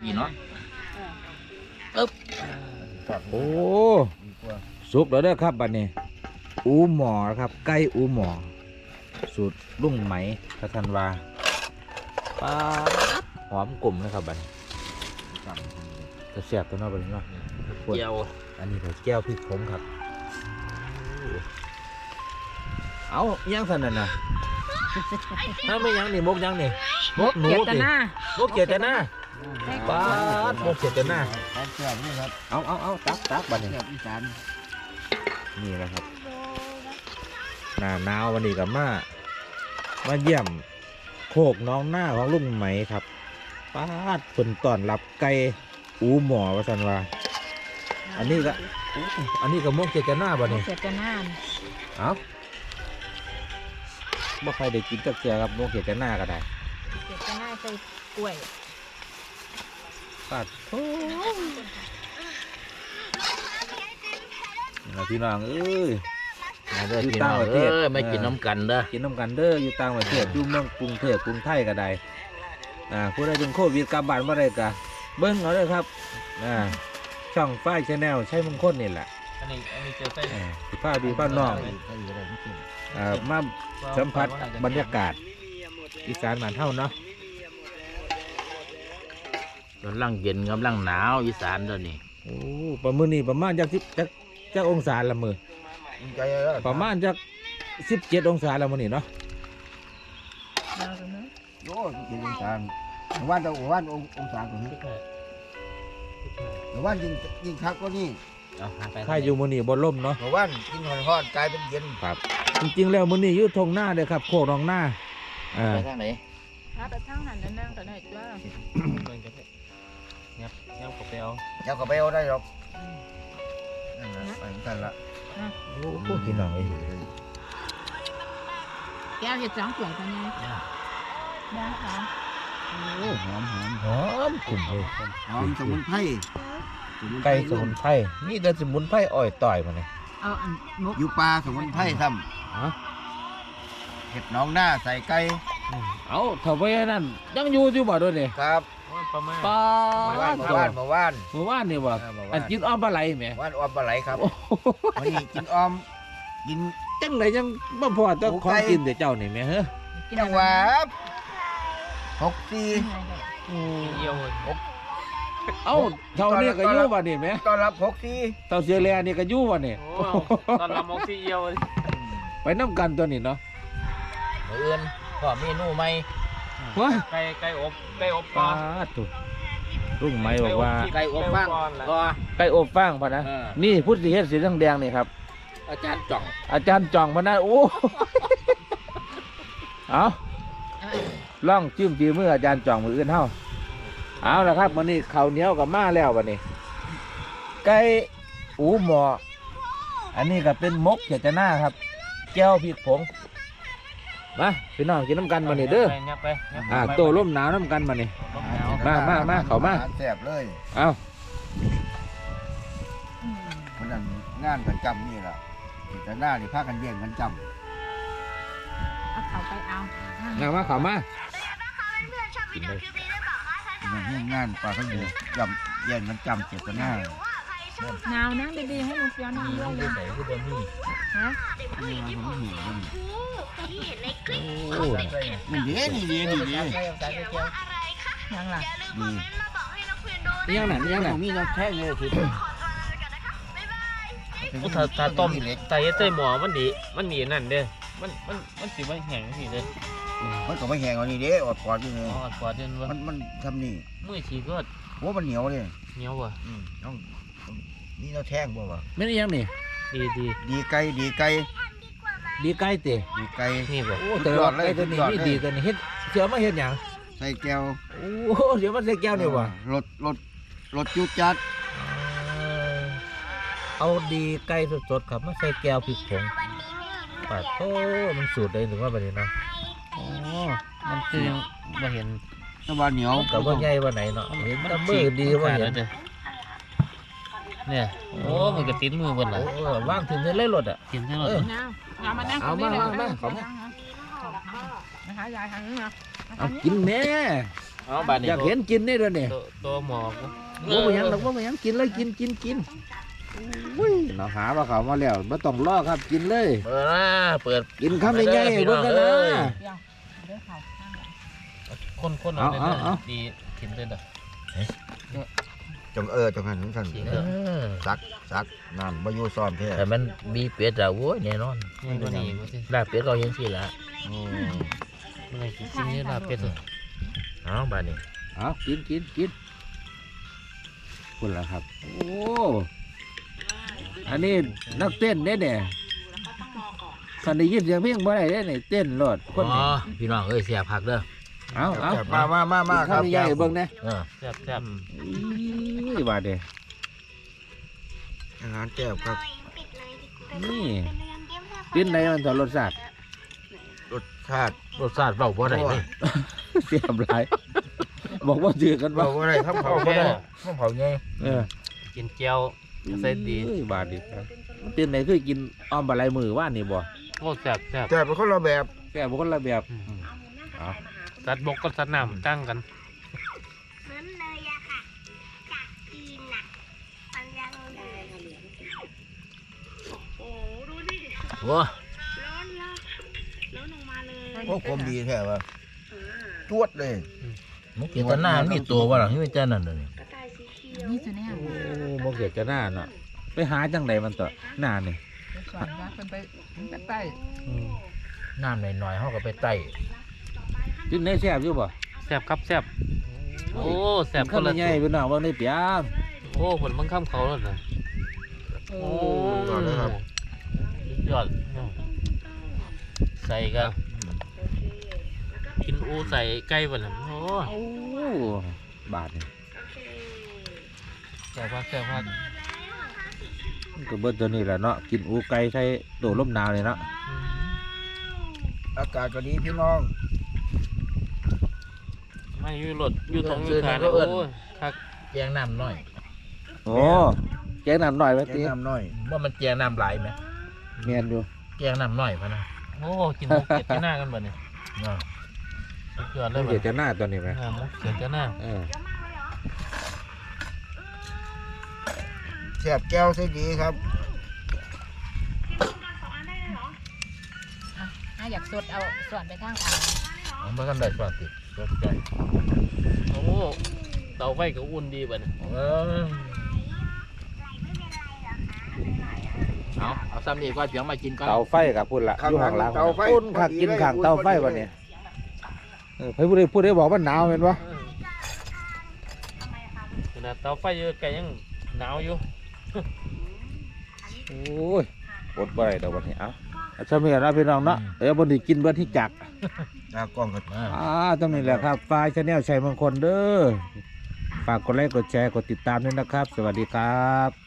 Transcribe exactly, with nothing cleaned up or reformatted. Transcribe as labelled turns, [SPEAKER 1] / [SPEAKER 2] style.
[SPEAKER 1] พี่เนาะ
[SPEAKER 2] อึ๊บโอ้สุกแล้วเด้อครับบัดนี้อูหมอครับไก่อูหมอสูตรลุงไหมพระธันวาปลาหอมกลุ่มนะครับบัดนี้จะแซ่บตัวน้อยบัดนี้เนาะเจียวอันนี้ก็แก้วพริกผงครับเอายังสั่นน่ะนะถ้าไม่ยังนี่มกยังนี่มกหนูสิมกเกียรติหน้าปลามกเกียรติหน้าเอาเอาเอาตักตักบัดนี้นี่นะครับหน้าหนาววันนี้กับมามาเยี่ยมโคกน้องหน้าของลุงไหมครับป้าดเพิ่นต้อนรับไก่อูหมอว่าซั่นว่าอันนี้ก็อันนี้ก็มกเกียรติหน้าบัดนี้
[SPEAKER 3] เกียรติหน้า
[SPEAKER 2] เอาบ่ใครได้กินจักเสียครับมกเกียรติหน้าก็ได้
[SPEAKER 3] เกียรติหน้าใส่กล้วย
[SPEAKER 2] ปัดโอ้พี่น้องเอ้ยอยู่ต่างประเทศไม่กินน้ำกันเด้อกินน้ำกันเด้ออยู่ต่างประเทศอยู่เมืองกรุงเทพกรุงไทยก็ได้อ่าผู้ใดเป็นโควิดกลับบ้านเมื่อไรก็เบิ้งเอาเลยครับอ่าช่องฝ้ายชาแนลใช้มงคลนี่แหละอันนี้อันนี้เจอไส้สิผ้าดีผ้านอกอ่ามาสัมผัสบรรยากาศอีสานบ้านเฮาเนาะ
[SPEAKER 1] กำลังเย็นกำลังหนาวอีสานตอนนี้
[SPEAKER 2] โอ้ประมือนี่ประมาณจากสิบจากจากองศาละมือประมาณจากสิบเจ็ดองศาละมือนี่เนาะ
[SPEAKER 4] โอ้สิบองศาวันแต่วันองศาตรงนี้วันยิงยิงคักก็นี่
[SPEAKER 2] ถ้าอยู่มือนี่บนล่มเนาะ
[SPEAKER 4] วันกินหอนๆกลายเป็นเย็น
[SPEAKER 2] ครับจริงๆแล้วมือนี่ยืดทงหน้าเลยครับโคกรองหน้าอ่า
[SPEAKER 1] ไปทางไหน
[SPEAKER 3] ไปทางนั้นนั่งแต่ไหนจ้า
[SPEAKER 1] ยับยับกับเปล
[SPEAKER 4] ยับกับเปลได้หรอกนั่นแหละไปกันละ
[SPEAKER 2] โอ้โหพี่น้องเอ้ย
[SPEAKER 3] แก้วเห็ดสองสวยกันไงได้ค่ะ
[SPEAKER 4] โอ้หอมหอม
[SPEAKER 2] หอมกลุ่มเลย
[SPEAKER 4] หอมสมุนไพร
[SPEAKER 2] ไก่สมุนไพรนี่แต่สมุนไพรอ่อยต่อยมาเลย
[SPEAKER 3] เอาอันมุก
[SPEAKER 4] อยู่ปลาสมุนไพรทำเห็ดน้องหน้าใส่ไก่
[SPEAKER 2] เอาถ้าไว้นั่นยังอยู่ที่บ่อด้วยนี่
[SPEAKER 4] ครับ
[SPEAKER 2] ปลาเมื่อ
[SPEAKER 4] วานเมื่อวาน
[SPEAKER 2] เมื่อวานนี่บ่อันกินอ้อมปลาไหลไหม
[SPEAKER 4] ว่านอ้อมปลาไหลครับวันนี้กินอ้อมกิน
[SPEAKER 2] จังไหนยังบ่พอเจ้าของกินแต่เจ้านี่แม่เฮ้ย
[SPEAKER 4] จังหวะหกสี่
[SPEAKER 1] เยี่ยว
[SPEAKER 2] เอ้าเท่านี้ก็ยู่บ่นี่แม่
[SPEAKER 4] ตอนรับหกสี่
[SPEAKER 2] เท่าเสียแลนี่ก็ยู่บ่นี่
[SPEAKER 1] ตอนรับหกสี่เยี่ยว
[SPEAKER 2] ไปน้ำกันตัวนี้เนาะ
[SPEAKER 1] เอื่นก็เมนูใหม่ไก่ไก่อบไก่อบปลา
[SPEAKER 2] ถูกรุ่งไม้บอกว่า
[SPEAKER 1] ไก่อบฟาง
[SPEAKER 2] ก็ไก่อบฟางพะนะนี่พุทธิเฮ็ดสีแดงๆนี่ครับ
[SPEAKER 1] อาจารย์จ่อง
[SPEAKER 2] อาจารย์จ่องพะนะโอ้เอาล่องจิ้มจีมืออาจารย์จ่องมืออื่นเท่าเอาละครับวันนี้ข้าวเหนียวกับมาแล้ววันนี้ไก่อูหมออันนี้ก็เป็นมกเขียดหน้าครับแก้วพริกผงมาพี่น้องกินน้ำกันมานี่เด้ออ่าโตร่มหนาวน้ำกันมานี่มามามาเขามา
[SPEAKER 4] แซ่บเลย
[SPEAKER 2] เอา
[SPEAKER 4] คนนั้นงานกันจำนี่แหละแต่หน้าที่พากันเยี่ยงกันจำ
[SPEAKER 3] เอาเขาไปเอา
[SPEAKER 2] เอามาเขามา
[SPEAKER 4] งานปลาทั้งเดือนจำเยี่ยงกันจำเจ็บกันหน้า
[SPEAKER 3] หนาวนะดีๆให้ลุงเฟียวนั่งด้วยเลยฮะ
[SPEAKER 4] โอ้นี่ดีนี่ดีนี่ดี
[SPEAKER 3] ยังล่ะ
[SPEAKER 4] ดี
[SPEAKER 2] ยังไหนยังไหน
[SPEAKER 4] มีน้ำแข็งเลยที
[SPEAKER 1] ถ้าถ้าต้มไต่เต้หมอมันดีมันมีนั่นเด้มันมันมันสีมันแห้งสิเด้
[SPEAKER 4] มันก็ไม่แห้งอันนี้เด้อดกอดอยู่เลย
[SPEAKER 1] อดกอดจนว่า
[SPEAKER 4] มันมันทำนี่
[SPEAKER 1] มือฉีกก็
[SPEAKER 4] โอ้มันเหนียวเลย
[SPEAKER 1] เหนียวว่ะ
[SPEAKER 4] ต้องนี่เราแท่งบ่วะ
[SPEAKER 2] ไม่ได้ยังนี่
[SPEAKER 1] ดีดี
[SPEAKER 4] ดีไก่ดีไก่
[SPEAKER 2] ดีไก่เตะ
[SPEAKER 4] ดีไก่
[SPEAKER 1] นี่บ่
[SPEAKER 2] โอ้แต่ว่าไก่ตัวนี้นี่ดีตัวนี้เฮ็ดเสือมาเฮ็ดหยัง
[SPEAKER 4] ใส่แก้ว
[SPEAKER 2] โอ้เสือมาใส่แก้วนี่ว่ะ
[SPEAKER 4] รสรสรสจุดจัด
[SPEAKER 2] เอาดีไก่สดๆครับมาใส่แก้วพริกผงปัดโอ้มันสูตรได้ถึงว่าแบบนี้เนาะ
[SPEAKER 1] อ๋อมันคือมาเห็น
[SPEAKER 4] ตะวันเหนียว
[SPEAKER 2] กับว่าใหญ่ว่าไหนเนาะเห็นตะมือดีว่าเห็น
[SPEAKER 1] เนี่ยโอ้มันก็ติดมือบนหลัง
[SPEAKER 2] ว่างถึงจะเล่นรถอ่ะ
[SPEAKER 1] กินใช่ไหม
[SPEAKER 3] เอามานั่ง
[SPEAKER 2] เอามามามาขอมา
[SPEAKER 3] นะคะยายทางนี้นะ
[SPEAKER 2] เอากินแม่
[SPEAKER 1] เอาบาดนี้
[SPEAKER 2] อยากเห็นกินได้ด้วยเนี่ย
[SPEAKER 1] ตัวตัวหมอก
[SPEAKER 2] ว่าไม่ยังหรอกว่าไม่ยังกินเลยกินกินกินอุ้ยเราหาว่าเขามาแล้วไม่ต้องรอครับกินเลย
[SPEAKER 1] เปิดนะเปิด
[SPEAKER 2] กินคำใหญ่ๆเบิ่งกันนะ
[SPEAKER 3] เดี๋ยวเขาข้างหลัง
[SPEAKER 1] คนคน
[SPEAKER 2] เอาเอาเอา
[SPEAKER 1] ดีถิ่นเลยเด้อ
[SPEAKER 4] จงเออจงหันถึงท่าน
[SPEAKER 1] จริงเด้อ
[SPEAKER 4] ซักซักนั่นบ่อยู่ซ้อมแท้
[SPEAKER 5] แต่มันมีเป็ดอะโว้ยแน่นอน
[SPEAKER 1] นี่ตัวนี้กูสิ
[SPEAKER 5] ลาบเป็ดก็ยังสิละ
[SPEAKER 4] อืม
[SPEAKER 1] มันอะไรกินนี่ลาบเป็ดเหรอ
[SPEAKER 5] เอ้าบาดนี้
[SPEAKER 2] เอากินกินกินคุณล่ะครับโอ้อันนี้นักเต้นเด้เนี่ยคันได้ยินเสียงเพลงบ่ได้เด้เนี่ยเต้นรอดคน
[SPEAKER 5] อ๋
[SPEAKER 2] นี้
[SPEAKER 5] อพี่น้องเอ้ยเสียผักเด้อ
[SPEAKER 2] เอาเอา
[SPEAKER 4] มามามามาครับ
[SPEAKER 2] คำใหญ่ๆเบิ่งนะ
[SPEAKER 5] เออ
[SPEAKER 1] แซ่บแซ่บ
[SPEAKER 2] อุ้ยบาดเด้
[SPEAKER 4] อาหารแก้วครับ
[SPEAKER 2] นี่กินไหนมันต่อรสชาติ
[SPEAKER 4] รสชาติ
[SPEAKER 5] รสชาติเบาบ่ได้เลย
[SPEAKER 2] เสียบหลายบอกว่าจืดกัน
[SPEAKER 4] บอ
[SPEAKER 2] บ่
[SPEAKER 4] กว่าอะไรครับเขา
[SPEAKER 5] บ่
[SPEAKER 4] แก้
[SPEAKER 5] ได้
[SPEAKER 4] ว
[SPEAKER 5] มันเผาไง
[SPEAKER 2] เออ
[SPEAKER 1] กินเจียวใส่ดี
[SPEAKER 2] อุ้ยบาดดีครับมันเป็นไหนคือกินอ้อมบะไรมือว่านนี่บ่
[SPEAKER 1] โอ้แซ่บแซ่บ
[SPEAKER 4] แต่เป็นคนละแบบ
[SPEAKER 2] แกบ่คนละแบบเอา
[SPEAKER 1] สัตว์บกกับสัตว์น้ำตั้งกัน
[SPEAKER 6] เหมือนเลยอะค่ะ จากจีนน่ะมันยังเลยโอ้โห ดูดิ
[SPEAKER 5] โอ้
[SPEAKER 6] ร้อนละร้อนออกมาเลย
[SPEAKER 4] พวกผมดีแท้ว่าจวดเลย
[SPEAKER 5] มุกเกตหน้ามันมีตัวบ่ล่ะที่มันจะนั่นน่ะนี่
[SPEAKER 6] กระต่ายสีเขียว
[SPEAKER 3] นี่ตัวเนี้ย
[SPEAKER 2] โอ้บ่เกิดจะหน้าเนาะไปหาจังไดมันต่อหน้านี่
[SPEAKER 3] สอนว่าเป็นไปเป็นไปใต้
[SPEAKER 5] น้ำหน่อยๆเฮาก็ไปไต่
[SPEAKER 2] กินได้แซ่บอยู่บ่
[SPEAKER 1] แซ่บครับแซ่บโอ้แซ่บคน
[SPEAKER 2] ข้าว
[SPEAKER 1] ละ
[SPEAKER 2] ใหญ่ๆพี่น้องบ่ได้เปียง
[SPEAKER 1] โอ้ผลมันข้ามเขาแล้วนะโอ้
[SPEAKER 4] ก่อนเลยครับ
[SPEAKER 1] ยอดใส่กันกินอูใส่ไก่บ่ล่ะโอ้
[SPEAKER 2] โอ้บาดนี่
[SPEAKER 1] แซ่บมากแซ่บมาก
[SPEAKER 2] มันก็เบิดตัวนี้แหละเนาะกินอูไก่ใส่โดดลมหนาวนี่เนาะ
[SPEAKER 4] อากาศก็ดีพี่น้อง
[SPEAKER 1] ไม่อยู่รถอยู่ตรงอยู่ทางโอ้ยคัก
[SPEAKER 5] แจงน้ำน้อย
[SPEAKER 2] โอ้แกงน้ำหน่อยไว้
[SPEAKER 4] แก
[SPEAKER 2] ติ
[SPEAKER 4] งน้ำน้อย
[SPEAKER 5] ว่ามันแจงน้ำหลายไหม
[SPEAKER 2] แม่นอยู่
[SPEAKER 5] แจงน้ำน้อยพะนะ
[SPEAKER 1] โอ้กินมุกเก็ดจะหน้ากันบ่เนี่ย
[SPEAKER 5] เออ
[SPEAKER 1] สุดยอดเล
[SPEAKER 2] มั
[SPEAKER 1] ย
[SPEAKER 2] น
[SPEAKER 1] บ่
[SPEAKER 2] เกิดจะหน้าตัวนี้ไหม
[SPEAKER 1] อ่ามุกเก็ดจะหน้า
[SPEAKER 2] เออ
[SPEAKER 4] แซ่บแก้วใส่ดีครับ
[SPEAKER 3] อ่ะอยากสดเอาสอนไปข้างอ่าง
[SPEAKER 5] มันบ่ทันได้สวัสดิสวัสดี
[SPEAKER 1] โอ้เตาไฟก็อุ่นดีบ่เนี่ย
[SPEAKER 5] เออเอาเอาซ้ำนี่ก็เสียงมากินก่อน
[SPEAKER 2] เตาไฟกับพุ่นละ
[SPEAKER 4] ข้าง
[SPEAKER 2] อยู่
[SPEAKER 4] หลั
[SPEAKER 2] ข้าง งหลัง
[SPEAKER 4] เตาไฟ
[SPEAKER 2] พุ่นค่ะ
[SPEAKER 4] พอดี
[SPEAKER 2] กิน
[SPEAKER 4] เลย
[SPEAKER 2] ข้างเตาไฟ
[SPEAKER 4] พอดี
[SPEAKER 2] วันนี้เออเพิ่นพูดได้พูดได้บอกว่าหนาวเห็นปะ
[SPEAKER 1] ขนาดเตาไฟอยู่ไกลยังหนาวอยู่
[SPEAKER 2] โอ้ยอดบ่ได้ดอกวันนี้เอ้าเอาสมัยเราพี่น้องเนาะเออบนที่กินเบิดที่จัก
[SPEAKER 4] ตากล้องก็
[SPEAKER 5] อ่า
[SPEAKER 2] อ่าตรงนี้แหละครับไฟล์ชาแนลชัยมงคลเด้อฝากกดไลค์กดแชร์กดติดตามด้วยนะครับ สวัสดีครับ